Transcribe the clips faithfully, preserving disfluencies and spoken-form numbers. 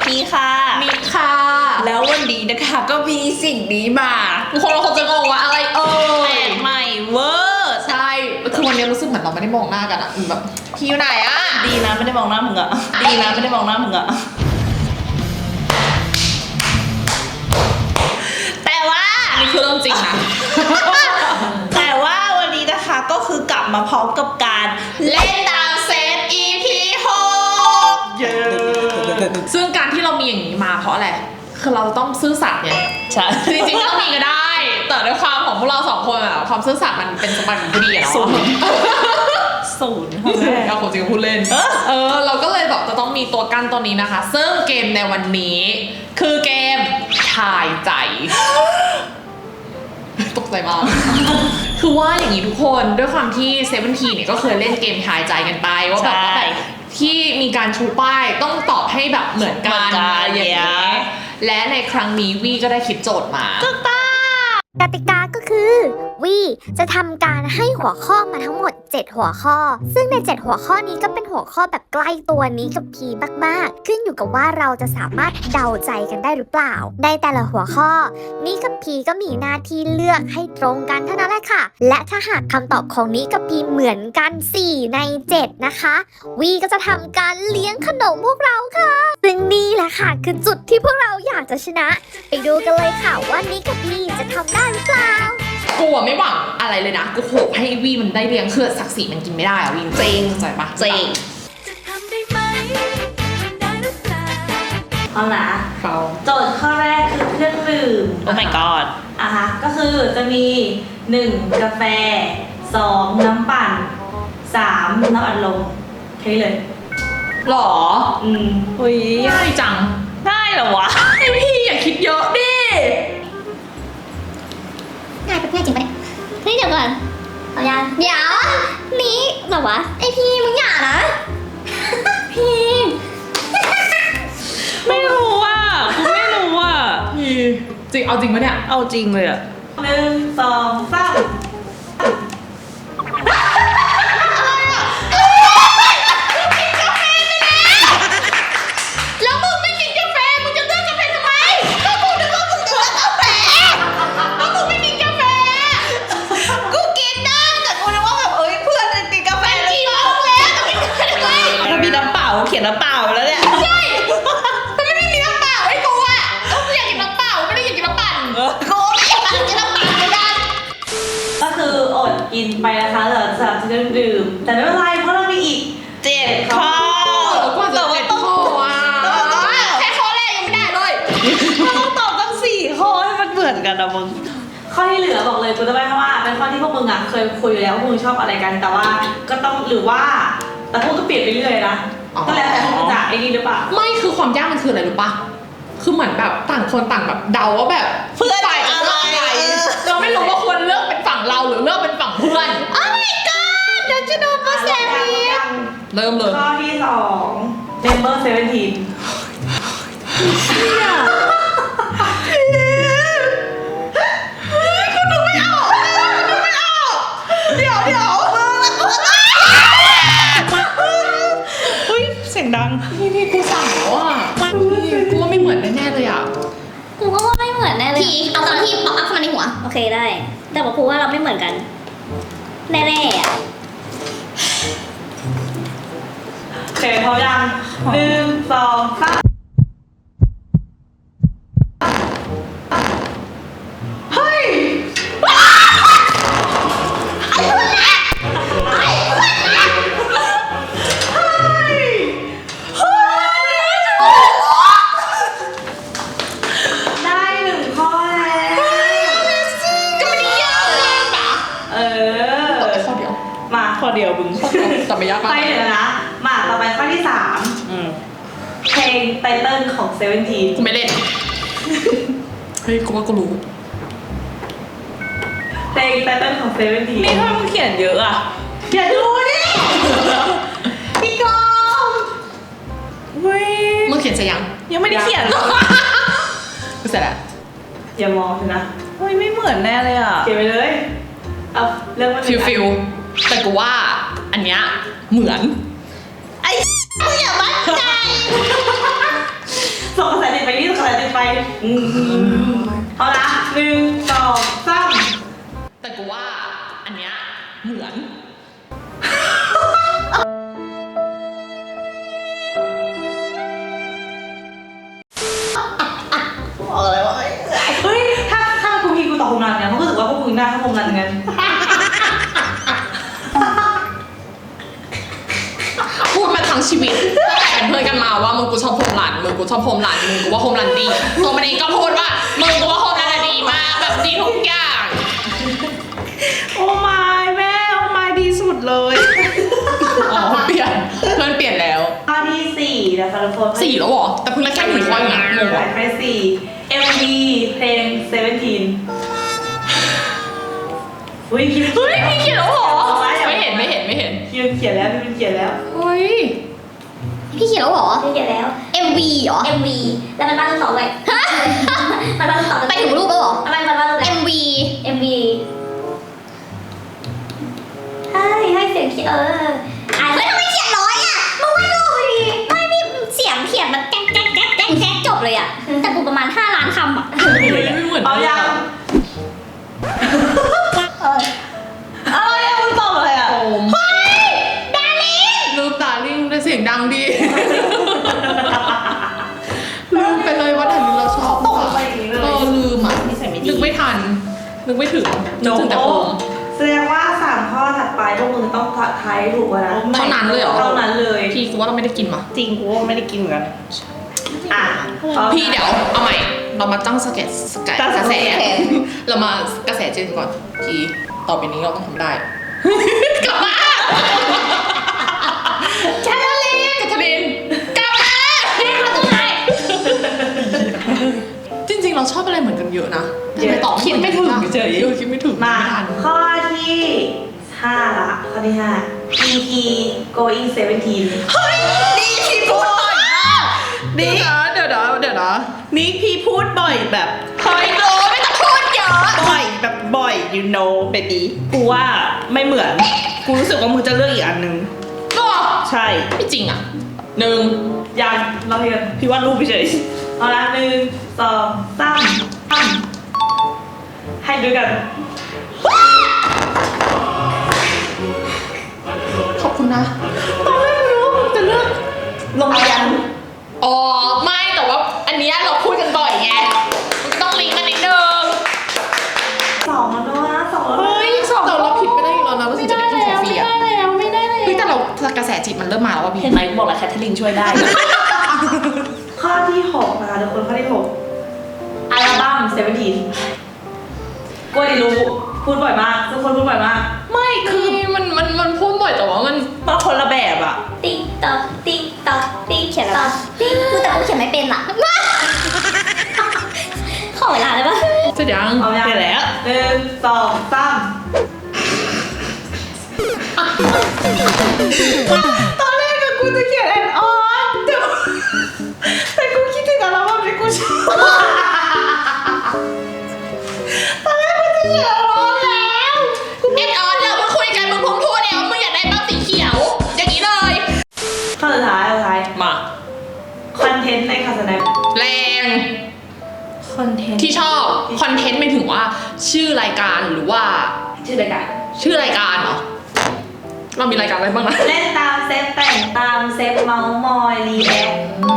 พีค่ะมิกค่ะแล้ววันนี้นะคะก็มีสิ่งนี้มาทุกคนเราคงจะงงว่าอะไรเอ่ยแปลกใหม่เวอร์ใช่คือวันนี้รู้สึกเหมือนเราไม่ได้มองหน้ากันอะแบบพี่อยู่ไหนอะดีนะไม่ได้มองหน้ามึงอะดีนะไม่ได้มองหน้ามึงอะแต่ว่านี่คือเรื่องจริงนะแต่ว่าวันนี้นะคะก็คือกลับมาพร้อมกับการเล่นตามเซต อี พี หกเย้ซึ่งการที่เรามีอย่างนี้มาเพราะอะไรคือเราต้องซื่อสัตย์ไงใช่จริงๆไม่ต้องมีก็ได้แต่ด้วยความของพวกเราสองคนอะความซื่อสัตย์มันเป็นสมบัติของผู้ดีอะเนาะศูนย์ศูนย์เอาของจริงพูดเล่นเออเราก็เลยแบบจะต้องมีตัวกั้นตัวนี้นะคะซึ่งเกมในวันนี้คือเกมทายใจตกใจมากคือว่าอย่างนี้ทุกคนด้วยความที่เซเว่นทีเนี่ยก็เคยเล่นเกมทายใจกันไปว่าแบบว่าแบบที่มีการชูป้ายต้องตอบให้แบบเหมือนกันอย่างเงี้ยและในครั้งนี้วี่ก็ได้คิดโจทย์มาถูกต้องกติกาก็คือวี่จะทำการให้หัวข้อมาทั้งหมดเจ็ดหัวข้อซึ่งในเจ็ดหัวข้อนี้ก็เป็นหัวข้อแบบใกล้ตัวนี้กับพีมากๆขึ้นอยู่กับว่าเราจะสามารถเดาใจกันได้หรือเปล่าในแต่ละหัวข้อนี้กับพีก็มีหน้าที่เลือกให้ตรงกันเท่านั้นแหละค่ะและถ้าหากคำตอบของนี้กับพีเหมือนกันสี่ในเจ็ดนะคะวี่ก็จะทำการเลี้ยงขนมพวกเราค่ะซึ่งนี่แหละค่ะคือจุดที่พวกเราอยากจะชนะไปดูกันเลยค่ะว่านี้กับพีจะทำได้หรือเปล่ากูไม่หวังอะไรเลยนะกูโหให้วีมันได้เลี้ยงคือศักดิ์ศรีมันกินไม่ได้อะวีจริงใจปะจริงเอาละเขาโจทย์ข้อแรกคือเครื่องดื่มโอ้ my god อ่ะฮะก็คือจะมีหนึ่งกาแฟสองน้ำปั่นสามน้ำอัดลมแค่นี้เลยหรออืมอุ้ยง่ายจังได้เหรอวะไอพี่อย่าคิดเยอะดิง่ายไปง่ายจริงปะเนี่ยเฮ้ยเดี๋ยวก่อนเอายังเดี๋ยวนี้เหรอวะไอพี่มึงอย่านะพี่ไม่รู้อ่ะกูไม่รู้อ่ะพี่จริงเอาจริงปะเนี่ยเอาจริงเลยอ่ะหนึ่งสองสามแล้วมึงไม่กินกาแฟมึงจะเลือกกาแฟทำไมก็กูนึกว่ามึงจะเลือกกาแฟแล้วมึงไม่กินกาแฟกูกินได้แต่กูนึกว่าแบบเอ้ยเพื่อนจะกินกาแฟแล้วกินแล้วแต่ไม่กินทำไมถ้ามีน้ำเปล่าเขียนน้ำเปล่าแล้วเนี่ยใช่แต่ไม่มีน้ำเปล่าไอ้กูอ่ะก็อยากกินน้ำเปล่าไม่ได้อยากกินน้ำปั่นกูไม่อยากกินน้ำปั่นเหมือนกันก็คืออดกินไปนะคะสำหรับสำหรับเครื่องดื่มแต่ไม่เป็นไรเพราะเรามีอีกเจ็ดข้อแต่ว่าต้องแค่ข้อแรกยังไม่ได้เลยต้องตอบตั้งสี่ข้อให้มันเหมือนกันนะมึงข้อที่เหลือบอกเลยกูจะไม่เพราะว่าเป็นข้อที่พวกมึงอ่ะเคยคุยอยู่แล้วว่าพวกมึงชอบอะไรกันแต่ว่าก็ต้องหรือว่าแต่พวกก็เปลี่ยนไปเรื่อยนะก็แล้วแต่พวกมึงจะไอ้นี่หรือเปล่าไม่คือความยากมันคืออะไรรู้ปะคือเหมือนแบบต่างคนต่างแบบเดาว่าแบบเพื่อนฝ่ายอะไรเราไม่รู้ว่าควรเลือกเป็นฝั่งเราหรือเลือกเป็นฝั่งเพื่อน Oh my god เดี๋ยวจะโดนมาแซมอีกเริ่มเลยข้อที่สอง Member สิบเจ็ดกูนึกไม่ออกนึกไม่ออกเดี๋ยวเดี๋ยวเฮ้ยเสียงดังพี่พี่กูสั่งแล้วอ่ะกูว่าไม่เหมือนแน่ๆเลยอ่ะกูก็ว่าไม่เหมือนแน่เลยพี่เอาตอนที่ป๊อปอัพเข้ามาในหัวโอเคได้แต่บอกกูว่าเราไม่เหมือนกันแน่ๆอ่ะเสร็จพร้อมยังหนึ่งสองสามเฮ้ยได้หนึ่งข้อแล้วก็ไม่ได้ยากมากปะเออข้อเดียวมาข้อเดียวมึงแต่ไม่ยากมากไปเหลือนะมาต่อไปข้อที่สามเพลงไตเติ้ลของเซเว่นทีกูไม่เล่นเฮ้ยกูว่ากูรู้เพลงไตเติ้ลของเซเว่นทีนี่ถ้ามึงเขียนเยอะอ่ะอย่าดูดิพี่กองเฮ้ยมึงเขียนเสร็จยังยังไม่ได้เขียนกูเสร็จแล้วอย่ามองนะเฮ้ยไม่เหมือนแน่เลยอ่ะเขียนไปเลยเอาเรื่องมันฟิลฟิลแต่กูว่าอันเนี้ยเหมือนไอ้มึงอย่ามั่นใจสส่งกระแสติดไปนี่ส่งกระแสติดไปอืมเอาละหนึ่งสองสามแต่กูว่าอันเนี้ยเหมือนบอกเลยว่าไม่เฮ้ยถ้าถ้ากูพีกูตอบโฮมรันเนี่ยเพราะรู้สึกว่าพวกมึงหน้าเข้าโฮมรันกันพูดมาทั้งชีวิตตั้งแต่เป็นเพื่อนกันมาว่ามึงกูชอบโฮมรันมึงกูชอบโฮมรันมึงกูว่าโฮมรันดีตัวมันเองก็พูดว่ามึงกูว่าโฮมรันดีมากแบบดีทุกอย่างโอ้ไม่แม่โอ้ไม่ดีสุดเลยอ๋อเปลี่ยนเพื่อนเปลี่ยนแล้วข้อที่สี่นะคะทุกคนสี่แล้วเหรอแต่เพิ่งได้แค่หนึ่งข้อเองนะงงหอะมายไปสี่ เอ็ม วี เพลงเซเว่นทีนเฮ้ยพี่เฮ้ยพี่เขียนแล้วเหรอไม่เห็นไม่เห็นไม่เห็นพี่เขียนแล้วพี่เขียนแล้วเฮ้ยพี่เขียนแล้วเหรอพี่เขียนแล้วเอ็ม วี เหรอเอ็ม วี แล้วมันบ้านลูกสองเลยมันบ้านลูกสองไปถึงรูปแล้วเหรออะไรมันบ้านลูกเอ็ม วีเอ็ม วี ให้ให้เสียงเขียนเอออ่านเฮ้ยทำไมเขียนน้อยอ่ะมึงไม่รู้ดิไม่พี่เสียงเขียนมันแก๊กแก๊กแก๊กแก๊กแก๊กจบเลยอ่ะ แต่กูประมาณห้าล้านคำอ่ะไม่เหมือนเอายังอะไรอะมึงตอบอะไรอะโอมเฮ้ยดาริงลืมดาริงแต่เสียงดังดีลืมไปเลยว่าดาริงเราชอบตกไปอย่างนี้เลเอย อลืมอ่ะนิสัยไม่ดีนึกไม่ทันนึกไม่ถึงนึกถึงแต่โอมแสดงว่าสามข้อถัดไปพวกมึงต้องทายถูกกว่านะเท่านั้นเลยเหรอเท่านั้นเลยพี่กูว่าเราไม่ได้กินมาจริงกูว่าไม่ได้กินเหมือนกันอ่ะพี่เดี๋ยวเอาใหม่ เรามาตั้งสเก็ตสกัดตั้งกระแสสเก็ตเรามากระแสเจนก่อนพี่ต่อไปนี้เราต้องทำได้ กลับมาแคทเธอรีนแคทเธอรีนกลับมาพี่เขาจะไงจริงๆเราชอบอะไรเหมือนกันเยอะนะทำไมตอบคิดไม่ถึงเฉยเออคิดไม่ถึงมาไทันข้อที่ห้าละข้อที่ห้า อี พี going เซเว่นทีนนี่พี่พูดบ่อยมากเดี๋นี่ยวนะเดี๋ยวนะเดี๋ยวนะนี่พี่พูดบ่อยแบบเฮ้ยโลไม่ต้องพูดเยอะบ่อยแบบบ่อย you know baby กูว่าไม่เหมือน กูรู้สึกว่ามึงจะเลือกอีกอันนึงก็ใช่ไม่จริงอ่ะหนึ่งยังเราเรียนพี่ว่ารูปเฉยเอาละหนึ่งสองสามสามให้ดูกันขอบคุณนะตอนแรกไม่รู้ว่ามึงจะเลือกโรงเรียนอ๋อไม่แต่ว่าอันเนี้ยเราพูดกันบ่อยไงมันก็ต้องลิงก์กันนิดนึงสองแล้วนะสองแล้วนะเฮ้ยสองเราเราผิดไม่ได้อีกแล้วนะเราถึงจะได้กินของฟรีอ่ะแล้วไม่ได้แล้วเฮ้ยแต่เรากระแสจิตมันเริ่มมาแล้วว่าพี่เห็นไหมบอกแล้วแคทเธอรีนช่วยได้ข้อที่หกนะคะทุกคนข้อที่หกอัลบั้มเซเว่นทีนกล้วยรู้พูดบ่อยมากทุกคนพูดบ่อยมากไม่คือมันมันมันพูดบ่อยแต่ว่ามันมาคนละแบบอ่ะติ๊กต๊อกติ๊กต๊อกติ๊กต๊อกติ๊กกูแต่กูเขียนไม่เป็นอ่ะ ขอเวลาได้ปะจะยังเอายังเสร็จแล้วหนึ่งสองสามตอนแรกอะกูจะเขียนแอนออนแต่แต่กูคิดถึงอัลบั้มที่กูชอบตอนแรกกูจะเขียนแอนออนแล้วเอ็ดออนเราเพิ่งคุยกันมึงพุ่งพูดแล้วมึงอยากได้บ้างสีเขียวอย่างนี้เลยข้อสุดท้ายข้อสุดท้ายมาคอนเทนต์ในคาสแนปแรงคอนเทนต์ที่ชอบคอนเทนต์ไม่ถึงว่าชื่อรายการหรือว่าชื่อรายการชื่อรายการเหรอเรามีรายการอะไรบ้างนะเล่นตามเซฟแต่งตามเซฟเมาส์มอยรีแอค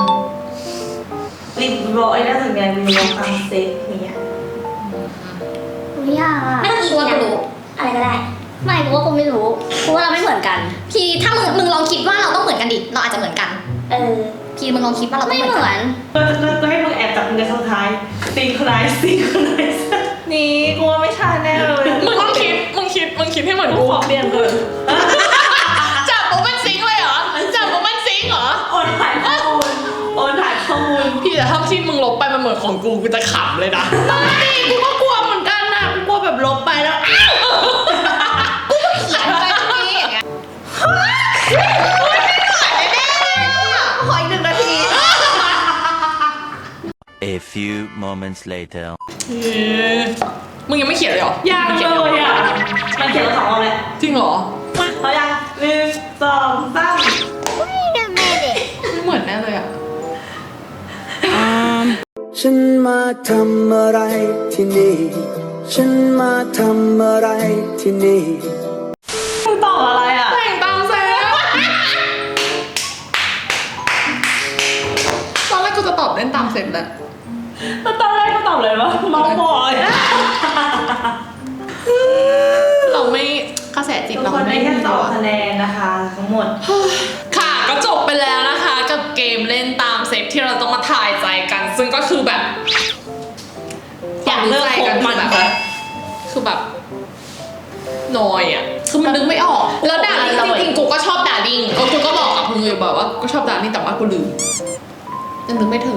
รีบร้อยน่าสนใจรีบร้อยตามเซฟอย่างเงี้ยไม่ยากอ่ะไม่ต้องอีกกูว่าอย่ากูงรู้อะไรก็ได้ไม่กูว่ากูไม่รู้กูว่าเราไม่เหมือนกัน พี่ถ้ามึงมึงลองคิดว่าเราต้องเหมือนกันดิ เราอาจจะเหมือนกันเออพี่มึงลองคิดว่าเราต้องไม่เหมือนเหมืกัอน นก็ก็ก็ให้มึงแอบจับมือกันสุดท้ายซิงค์ไนซ์ซิงค์ไนซ์นี่กูว่าไม่ใช่แน่เลยมึงต้องคิดมึงคิดมึงคิดให้เหมือนกูกูขอเปลี่ยนก่อนจับโมมันซิงค์เลยเหรอจับโมมันซิงค์เหรอโอนถ่ายข้อมูลโอนถ่ายข้อมูลพี่แต่ถ้าที่มึงลบไปมันเหมือนของกูกูจะขำเลยนะไม่กูก็กลัวเหมือนกันนะกูกลัวแบบลบไปแล้วอ้าวเขียนอะไรตรงนี้อย่างเงี้ยขออีกหนึ่งนาที A few moments later. มึงยังไม่เขียนเลยเหรอยังเลยอ่ะมันเขียนมาสองรอบแล้วจริงเหรอเขายังหนึ่งสองสาม Wait a minute ไม่เหมือนแน่เลยอ่ะอ่าฉันมาทำอะไรที่นี่ ฉันมาทำอะไรที่นี่มึงตอบอะไรอ่ะแต่งตามเซฟตอนแรกกูจะตอบเล่นตามเซฟแหละแล้วตอนแรกก็ตอบเลยว่าเมาบอยเราไม่กระแสจิตทุกเราคนไม่ได้แค่มีสองคะแนนนะคะทั้งหมดค่ะก็จบไปแล้วนะคะกับเกมเล่นตามเซฟที่เราต้องมาทายใจกัน ซึ่งก็คือแบบอยากเลิกคบมันแบบคือแบบนอยอ่ะคือมันนึกไม่ออกแล้วดาริ่งจริงๆกูก็ชอบดาริ่งกูก็บอกกับมึงอยู่บอกว่ากูชอบดาริ่งแต่ว่ากูลืมยังนึกไม่ถึง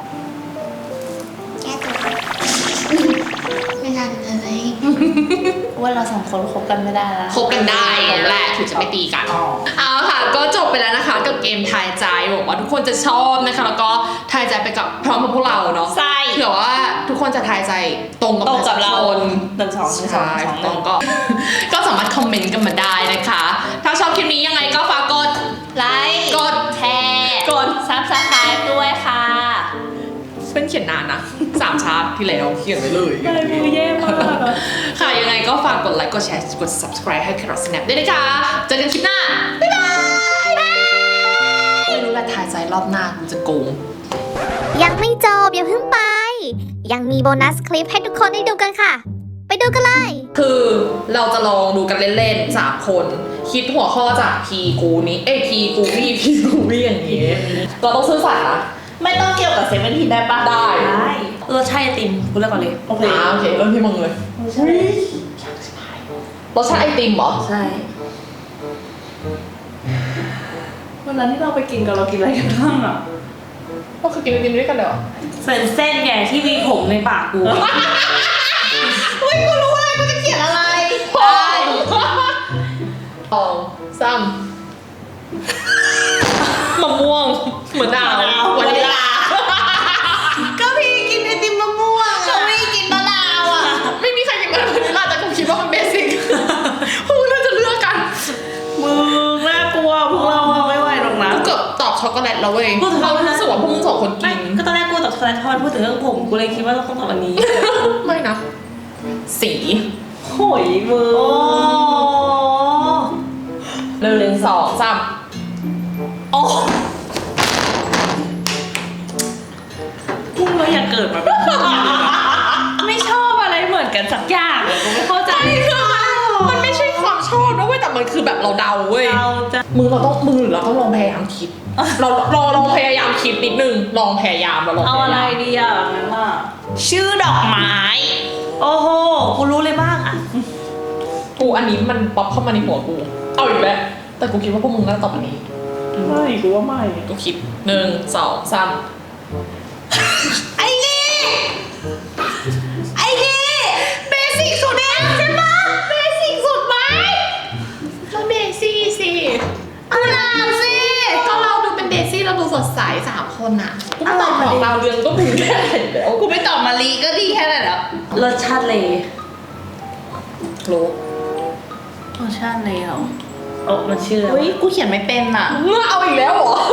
แก้ตัวไม่ทันเลยว่าเราสองคนคบกันไม่ได้แล้วคบกันได้แหละถึงจะไม่ตีกันเอาค่ะก็จบไปแล้วนะคะกับเกมทายใจบอกว่าทุกคนจะชอบนะคะแล้วก็ทายใจไปกับพร้อมกับพวกเราเนาะใช่เผื่อว่าทุกคนจะทายใจตรงกับตรงกับเราคนหนึ่งสองหนึ่งสองใช่หนึ่งสองตรงก็ ก็สามารถคอมเมนต์กันมาได้นะคะ ถ้าชอบคลิปนี้ยังไงก็ฝากกดไลค์กดแชร์กดซับสไครป์ด้วยค่ะเป็นเขียนนานนะสามชาร์ตที่แล้วเขียนไว้เลยอะไรมือแย่มากอะค่ะยังไงก็ฝากกดไลค์กดแชร์กด subscribe ให้ Carrot Snap ด้วยนะคะเจอกันคลิปหน้า บ๊ายบายไม่รู้แหละทายใจรอบหน้ากูจะโกงยังไม่จบอย่าเพิ่งไป ยังมีโบนัสคลิปให้ทุกคนได้ดูกันค่ะ ไปดูกันเลยคือเราจะลองดูกันเล่นๆสามคน คิดหัวข้อจากพีกูนี้ เอ้ยพีกูวี่พีกูวี่อย่างนี้ เราต้องซื่อสัตย์นะไม่ต้องเกี่ยวกับเซเว่นทีได้ปะได้ได้รสชาติไอติมกูเลือกก่อนเลยโอเคอ่าโอเคเริ่มที่มึงเลยรสชาติไอติมเหรอใช่วันนั้นที่เราไปกินกันเรากินอะไรกันบ้างอ่ะก็คือกินไอติมด้วยกันเลยเหรอเส้นเส้นไงที่มีผมในปากกูเฮ้ยกูรู้อะไรกูจะเขียนอะไรได้สองสามมะม่วงเหมือนดาวมะนาววานิลลาก็พี่กินไอติมมะม่วงก็พี่กินมะนาวอ่ะไม่มีใครกินวานิลลาแต่กูคิดว่ามันเบสิกพวกมึงน่าจะเลือกกันมึงน่ากลัวพวกเราอะไม่ไหวหรอกนะกูเกือบตอบช็อกโกแลตแล้วเว้ยเรารู้สึกว่าพวกมึงสองคนไม่กินก็ตอนแรกกูตอบช็อกโกแลตทอดพูดถึงเรื่องผมกูเลยคิดว่าเราต้องตอบอันนี้ไม่นะ สีโหยมือโอ้หนึ่งสองสามโอ้พุ่งเราอยากเกิดมาเป็นคนอย่างนี้เลยไม่ชอบอะไรเหมือนกันสักอย่างอะกูไม่เข้าใจมันไม่ใช่ความชอบนะเว้ยแต่มันคือแบบเราเดาเว้ยเราจะมึงเราต้องมึงหรือเราต้องลองพยายามคิด เราเราลองพยายามคิดนิดนึงลองพยายามเราลองเอาพอะไรยายามดีอ่ะงั้นอ่ะชื่อดอกไม้โอ้โหกูรู้เลยบ้างอ่ะกูอันนี้มันป๊อปเข้ามาในหัวกูเอาอีกแล้วแต่กูคิดว่าพวกมึงน่าจะตอบอันนี้ไม่กูว่าไม่กูคิดหนึ่งสองสามไอ้นี่ไอ้นี่เบสิกสุดแล้วใช่ปะเบสิกสุดไหมเราเดซี่สิกุหลาบสิก็เราดูเป็นเดซี่เราดูสดใสสามคนน่ะกูไม่ตอบของเราวเรืองก็ถึงแค่แล้วกูไม่ตอบมาลีก็ดีแค่นั้นแล้วรสชาติเลยรู้รสชาติเลยเหรอโอ้มันชื่ออะไรเฮ้ยวะกูเขียนไม่เป็นอ่ะเมื่อเอาอีกแล้วเหรอ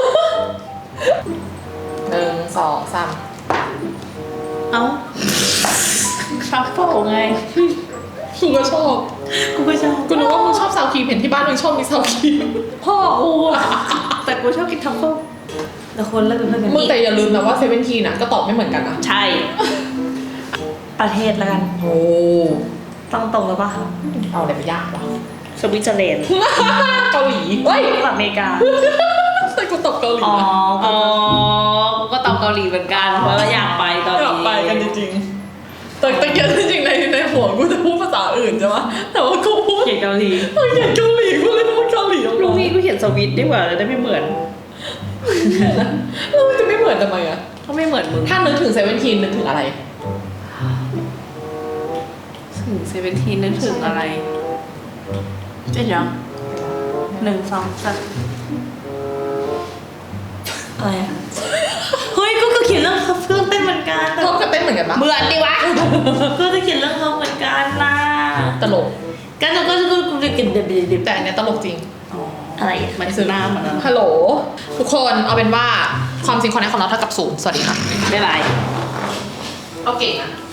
หนึ่งสองสามเอ้าทรัฟเฟิลไงกูก็ชอบกูก็ชอบกูนึกว่ามึงชอบซาวครีมเห็นที่บ้านมึงชอบมีซาวครีมพ่อกูอะแต่กูชอบกินทรัฟเฟิลแต่คนเลิกเป็นเพื่อนกันมึงแต่อย่าลืมนะว่าเซเว่นทีน่ะก็ตอบไม่เหมือนกันนะใช่ ประเทศแล้วกันโอ้ต้องตรงแล้วปะเอาอะไรไปยากวะสวิตเซอร์แลนด์เกาหลีเฮ้ยอเมริกาแต่กูตอบเกาหลีอ๋อนะอ๋อกูก็ตอบเกาหลีเหมือนกันเพราะว่าอยากไปตอนอยากนี้ไปกันจริงๆแต่ตะเกียบจริงๆในในหัวกูจะพูดภาษาอื่นใช่ไหมแต่ว่ากูพูดเขียนเกาหลีเขียนเกาหลีกูเลยพูดเกาหลีออกลูกมาพี่กูเขียนสวิตดีกว่าจะได้ไม่เหมือนแล้วมันจะไม่เหมือนทำไมอะก็ไม่เหมือนมึงถ้านึกถึงเซเว่นทีนึกถึงอะไรถึงเซเว่นทีนึกถึงอะไรเจ็ดยังหนึ่งสองสามอะไรอะเฮ้ยกูก็เขียนเรื่องเครื่องเต้นเหมือนกันแต่พร้อมกับเต้นเหมือนกันปะเหมือนดิวะก็จะเขียนเรื่องเขาเหมือนกันนะตลกกันก็จะกูจะกินเด็ดเด็ดแต่อันเนี้ยตลกจริงอะไรมันคือหน้ามันนะฮัลโหล ทุกคนเอาเป็นว่าความจริงคอนเนคของเราเท่ากับศูนย์สวัสดีค่ะบ๊ายบายบเอาเก่งนะ